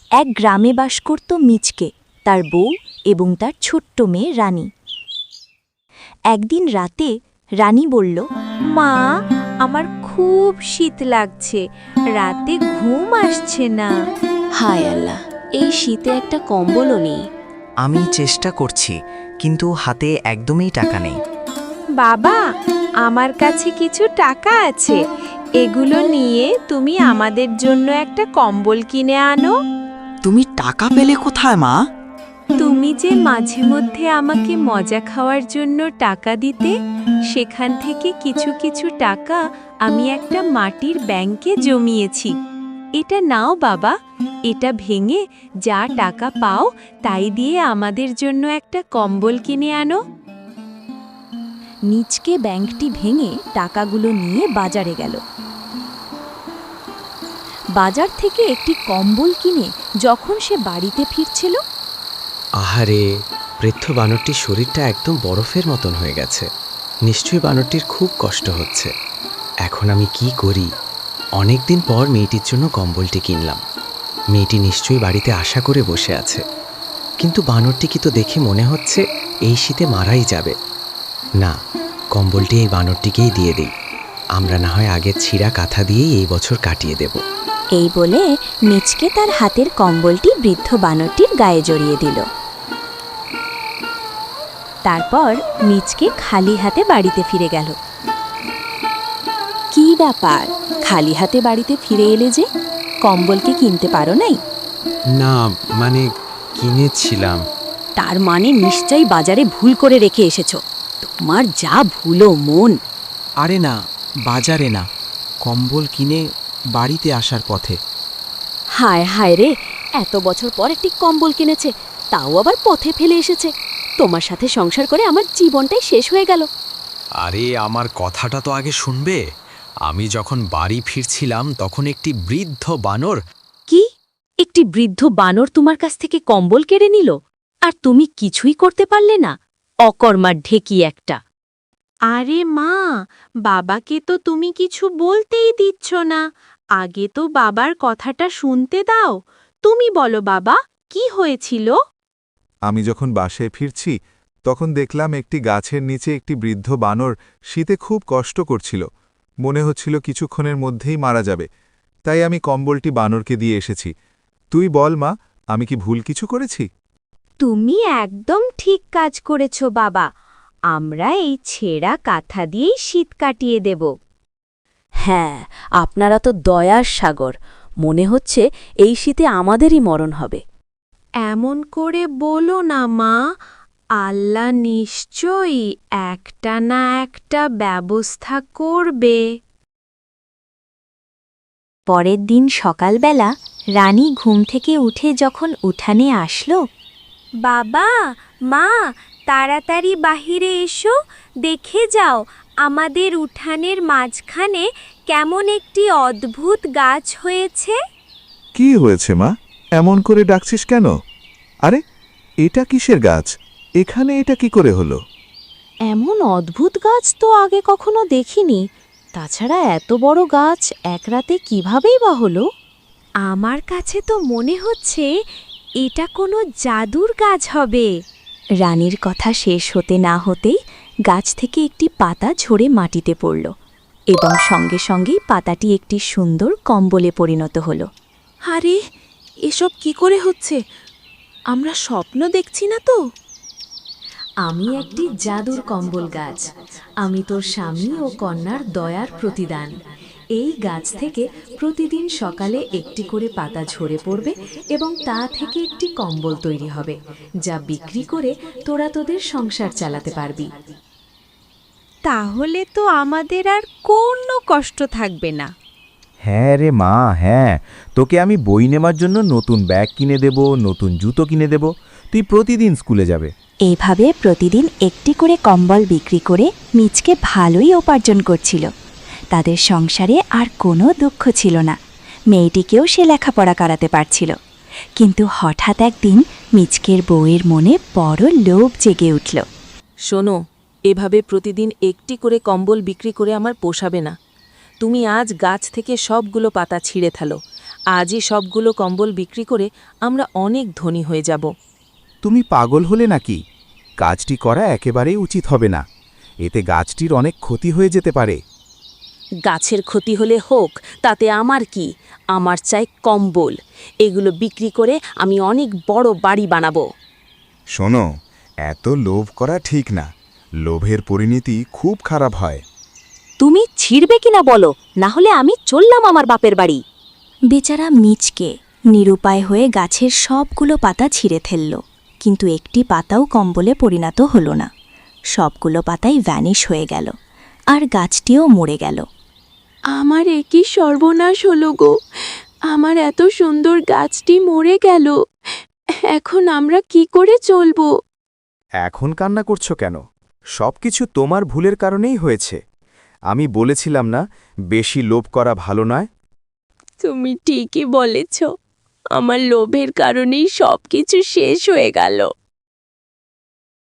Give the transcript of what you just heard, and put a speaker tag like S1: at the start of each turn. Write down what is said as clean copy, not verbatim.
S1: এক গ্রামে বাস করত মিচকে, তার বউ এবং তার ছোট্ট মেয়ে রানী। একদিন রাতে রানী বলল,
S2: মা, আমার খুব শীত লাগছে, রাতে ঘুম আসছে না।
S3: হায় আল্লাহ, এই শীতে একটা কম্বলও নেই।
S4: আমি চেষ্টা করছি, কিন্তু হাতে একদমই টাকা নেই।
S2: বাবা, আমার কাছে কিছু টাকা আছে, এগুলো নিয়ে তুমি আমাদের জন্য একটা কম্বল কিনে আনো।
S5: তুমি টাকা পেলে কোথায় মা?
S2: তুমি যে মাঝে মধ্যে আমাকে মজা খাওয়ার জন্য টাকা দিতে, সেখান থেকে কিছু কিছু টাকা আমি একটা মাটির ব্যাংকে জমিয়েছি। এটা নাও বাবা, এটা ভেঙে যা টাকা পাও তাই দিয়ে আমাদের জন্য একটা কম্বল কিনে আনো।
S1: মিচকে ব্যাংকটি ভেঙে টাকাগুলো নিয়ে বাজারে গেল। বাজার থেকে একটি কম্বল কিনে যখন সে বাড়িতে ফিরছিল,
S6: আহারে, বৃদ্ধ বানরটির শরীরটা একদম বরফের মতন হয়ে গেছে। নিশ্চয়ই বানরটির খুব কষ্ট হচ্ছে। এখন আমি কি করি? অনেক দিন পর মেয়েটির জন্য কম্বলটি কিনলাম। মেয়েটি নিশ্চয়ই বাড়িতে আশা করে বসে আছে, কিন্তু বানরটিকে তো দেখে মনে হচ্ছে এই শীতে মারাই যাবে। না, কম্বলটি এই বানরটিকেই দিয়ে দিই। আমরা না হয় আগের ছিঁড়া কাঁথা দিয়েই এই বছর কাটিয়ে দেব।
S1: এই বলে মিচকে তার হাতের কম্বলটি বৃদ্ধ বানরটির গায়ে জড়িয়ে দিল। তারপর মিচকে খালি হাতে বাড়িতে ফিরে গেল। কি ব্যাপার, খালি হাতে বাড়িতে ফিরে এলে যে? কম্বলকে কিনতে পারো নাই?
S6: না, মানে কিনেছিলাম।
S1: তার মানে নিশ্চয়ই বাজারে ভুল করে রেখে এসেছো। তোমার যা ভুলো মন।
S5: আরে না, বাজারে না, কম্বল কিনে বাড়িতে আসার পথে।
S1: হায় হায় রে, এত বছর পর একটি কম্বল কিনেছে, তাও আবার পথে ফেলে এসেছে। তোমার সাথে সংসার করে আমার জীবনটাই শেষ হয়ে গেল।
S7: আরে, আমার কথাটা তো আগে শুনবে। আমি যখন বাড়ি ফিরছিলাম তখন একটি বৃদ্ধ বানর।
S1: কি? একটি বৃদ্ধ বানর তোমার কাছ থেকে কম্বল কেড়ে নিল, আর তুমি কিছুই করতে পারলে না? অকর্মার ঢেকি একটা।
S2: আরে মা, বাবাকে তো তুমি কিছু বলতেই দিচ্ছ না। আগে তো বাবার কথাটা শুনতে দাও। তুমি বলো বাবা, কি হয়েছিল?
S8: আমি যখন বাসায় ফিরছি তখন দেখলাম একটি গাছের নিচে একটি বৃদ্ধ বানর শীতে খুব কষ্ট করছিল। মনে হচ্ছিল কিছুক্ষণের মধ্যেই মারা যাবে। তাই আমি কম্বলটি বানরকে দিয়ে এসেছি। তুই বল মা, আমি কি ভুল কিছু করেছি?
S2: তুমি একদম ঠিক কাজ করেছ বাবা। আমরা এই ছেঁড়া কাঁথা দিয়েই শীত কাটিয়ে দেব।
S1: হ্যাঁ, আপনারা তো দয়ার সাগর। মনে হচ্ছে এই শীতে আমাদেরই মরণ হবে।
S2: এমন করে বলো না মা, আল্লাহ নিশ্চয়ই একটা না একটা ব্যবস্থা করবে।
S1: পরের দিন সকালবেলা রানী ঘুম থেকে উঠে যখন উঠানে আসলো,
S2: বাবা, মা, তাড়াতাড়ি বাহিরে এসো, দেখে যাও আমাদের উঠানের মাঝখানে কেমন একটি অদ্ভুত গাছ হয়েছে।
S8: কি হয়েছে মা, এমন করে ডাকছিস কেন? আরে, এটা কিসের গাছ? এখানে এটা কি করে হলো?
S1: এমন অদ্ভুত গাছ তো আগে কখনো দেখিনি। তাছাড়া এত বড় গাছ এক রাতে কিভাবেই বা হলো?
S2: আমার কাছে তো মনে হচ্ছে এটা কোনো জাদুর গাছ হবে।
S1: রানীর কথা শেষ হতে না হতেই গাছ থেকে একটি পাতা ঝরে মাটিতে পড়ল এবং সঙ্গে সঙ্গেই পাতাটি একটি সুন্দর কম্বলে পরিণত হল।
S2: আরে, এসব কি করে হচ্ছে? আমরা স্বপ্ন দেখছি না তো?
S1: আমি একটি জাদুর কম্বল গাছ। আমি তোর স্বামী ও কন্যার দয়ার প্রতিদান। এই গাছ থেকে প্রতিদিন সকালে একটি করে পাতা ঝরে পড়বে এবং তা থেকে একটি কম্বল তৈরি হবে, যা বিক্রি করে তোরা তোদের সংসার চালাতে পারবি।
S2: তাহলে তো আমাদের আর কোনো কষ্ট থাকবে না।
S9: হ্যাঁ রে মা, হ্যাঁ, তোকে আমি বই নেবার জন্য নতুন ব্যাগ কিনে দেব, নতুন জুতো কিনে দেব। তুই প্রতিদিন স্কুলে যাবে।
S1: এইভাবে প্রতিদিন একটি করে কম্বল বিক্রি করে মিচকে ভালোই উপার্জন করছিল। তাদের সংসারে আর কোনো দুঃখ ছিল না। মেয়েটিকেও সে লেখাপড়া করাতে পারছিল। কিন্তু হঠাৎ একদিন মিচকের বউয়ের মনে বড় লোভ জেগে উঠল।
S3: শোনো, এভাবে প্রতিদিন একটি করে কম্বল বিক্রি করে আমার পোষাবে না। তুমি আজ গাছ থেকে সবগুলো পাতা ছিঁড়ে ফেলো
S10: আজই সবগুলো কম্বল বিক্রি করে আমরা অনেক ধনী হয়ে যাব।
S9: তুমি পাগল হলে নাকি? কাজটি করা একেবারেই উচিত হবে না। এতে গাছটির অনেক ক্ষতি হয়ে যেতে পারে।
S3: গাছের ক্ষতি হলে হোক, তাতে আমার কি? আমার চাই কম্বল। এগুলো বিক্রি করে আমি অনেক বড় বাড়ি বানাবো।
S8: শোনো, এত লোভ করা ঠিক না। লোভের পরিণতি খুব খারাপ হয়।
S3: তুমি ছিড়বে কিনা বলো, না হলে আমি চললাম আমার বাপের বাড়ি।
S2: বেচারা মিচকে নিরুপায় হয়ে গাছের সবগুলো পাতা ছিঁড়ে ফেলল, কিন্তু একটি পাতাও কম্বলে পরিণত হলো না। সবগুলো পাতাই ভ্যানিশ হয়ে গেল, আর গাছটিও মরে গেল।
S10: আমার একই সর্বনাশ হলো গো, আমার এত সুন্দর গাছটি মরে গেল। এখন আমরা কি করে চলবো?
S9: এখন কান্না করছো কেন? সবকিছু তোমার ভুলের কারণেই হয়েছে। আমি বলেছিলাম না, বেশি লোভ করা ভালো নয়?
S10: তুমি ঠিকই বলেছ, আমার লোভের কারণেই সবকিছু শেষ হয়ে গেল।